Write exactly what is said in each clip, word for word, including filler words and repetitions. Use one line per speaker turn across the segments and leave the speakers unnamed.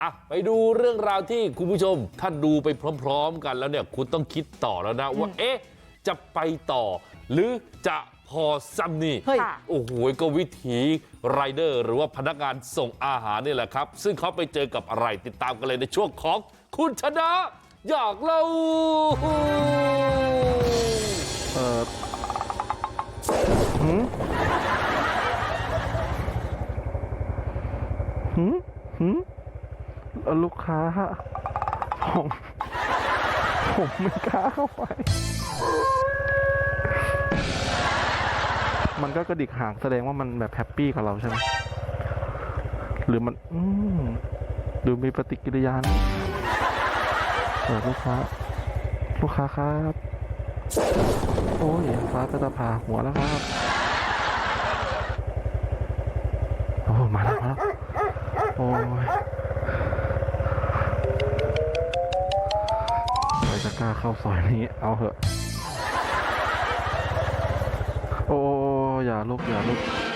อ่ะไปดูเรื่องราวที่คุณผู้ชมถ้าดูไปพร้อมๆกันแล้วเนี่ยคุณต้องคิดต่อแล้วนะว่าเอ๊ะจะไปต่อหรือจะพอซ้ำนี่โอ้โหก็วิถีไรเดอร์หรือว่าพนักงานส่งอาหารนี่แหละครับซึ่งเขาไปเจอกับอะไรติดตามกันเลยในช่วงของคุณชนะอยากเล่า
เออหืมหืมหืมลูกค้าผมผมไม่กล้าเข้าไปมันก็กระดิกหางแสดงว่ามันแบบแฮปปี้กับเราใช่ไหมหรือมันอืมดูมีปฏิกิริยานะเปิดลูกค้าลูกค้าครับโอ้ยฟ้าจะผ่าหัวแล้วครับโอ้มาแล้วมาแล้วโอ้ยใครจะกล้าเข้าซอยนี้เอาเหอะโอ้อย่าลุกอย่าลุก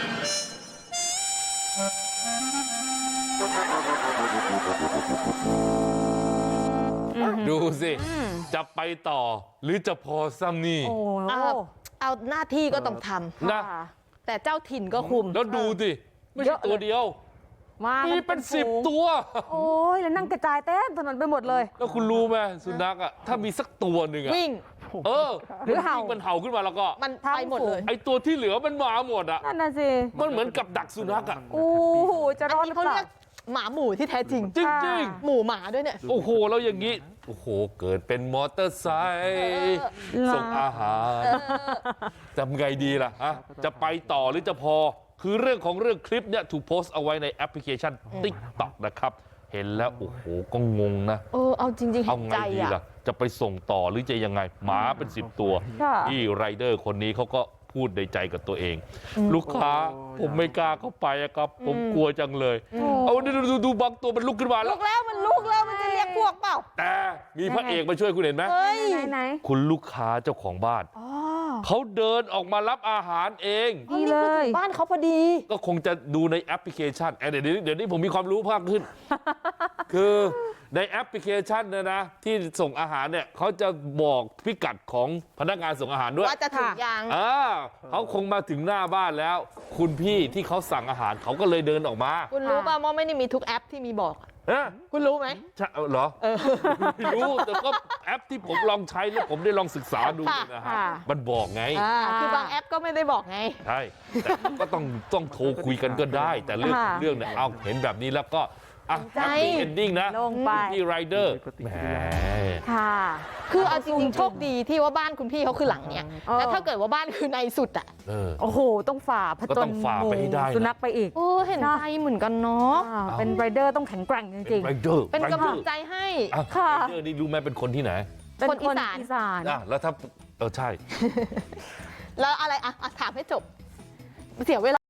ดูสิจะไปต่อหรือจะพอซ้ำนี่
เอาเอาหน้าที่ก็ต้องทำนะแต่เจ้าถิ่นก็คุม
แล้วดูสิไม่ใช่ตัวเดียวมีเป็นสิบตัว
โอ้ยแล้วนั่งกระจายเต็มถนนไปหมดเลย
แล้วคุณรู้ไหมสุนัขอ่ะถ้ามีสักตัวหนึ่งอ่ะ
วิ่ง
เออหรือเห่ามันเห่าขึ้นมาแล้วก็
มันไปหมดเลย
ไอตัวที่เหลือมันมาหมดอ่ะ
นั่นน่ะสิ
มันเหมือนกับดักสุนัขอ่ะ
โอ้โหจะรอดหรือเปล่า
หมาหมู่ที่แท้จริง
จริง
ๆหมู่หมาด้วยเนี่ย
โอ้โหแล้วอย่างนี้โอ้โหเกิดเป็นมอเตอร์ไซค์ส่งอาหารทำไงดีล่ะฮะจะไปต่อหรือจะพอคือเรื่องของเรื่องคลิปเนี่ยถูกโพสต์เอาไว้ในแอปพลิเคชัน ติ๊กต็อก นะครับเห็นแล้วโอ้โหก็งงนะ
เออเอาจริงๆเห็นใจอ่ะ
จะไปส่งต่อหรือจะยังไงหมาเป็นสิบตัวที่ไรเดอร์คนนี้เขาก็พูดในใจกับตัวเองลูกค้าผมไม่กล้าเข้าไปครับผมกลัวจังเลยเอาดูดูดูบางตัวมันลุกขึ้นมาแล้ว
ลุกแล้วมันลุกแล้วมันจะเรียกพวกเปล่า
แต่มีพระเอกมาช่วยคุณเห็นไหม
ไหน
คุณลูกค้าเจ้าของบ้านเขาเดินออกมารับอาหารเอง
ดีเลยบ้านเขาพอดี
ก็คงจะดูในแอปพลิเคชันเดี๋ยวนี้เดี๋ยวนี้ผมมีความรู้เพิ่มขึ้นคือในแอปพลิเคชันเนี่ยนะที่ส่งอาหารเนี่ยเขาจะบอกพิกัดของพนักงานส่งอาหารด้วย
ว่าจะถึงยัง
อ่าเขาคงมาถึงหน้าบ้านแล้วคุณพี่ที่เขาสั่งอาหารเขาก็เลยเดินออกมา
คุณรู้ป่ะว่าไม่ได้มีทุกแอปที่มีบอกคุณรู้ไหม
ใช่เหรอไม่รู้แต่ก็แอปที่ผมลองใช้แล้วผมได้ลองศึกษาดูนะฮะมันบอกไง
คือบางแอปก็ไม่ได้บอกไง
ใช่แต่ก็ต้องต้องโทรคุยกันก็ได้แต่เรื่องเรื่องเนี่ยเอาเห็นแบบนี้แล้วก็อ่ะแฮปปี้เอนดิ้งนะพี่ไรเดอร์แหม
ค่ะคือเอาจริงๆโชคดีที่ว่าบ้านคุณพี่เขาคือหลังเนี้ยแล้วถ้าเกิดว่าบ้านคือในสุดอ่ะ
โอ้โหต้องฝ่าผจญสุนัขไปอีก
โอ้เห็นใจเหมือนกันเนาะ
เป็นไรเดอร์ต้องแข็งแกร่งจริง
ๆ
เป็นกำลังใจให้
ค่ะไรเดอร์นี่รู้ไหมเป็นคนที่ไหน
คนอีสาน
อีสาน
แล้วถ้าเออใช่
แล้วอะไรอ่ะถามให้จบเสียเวลา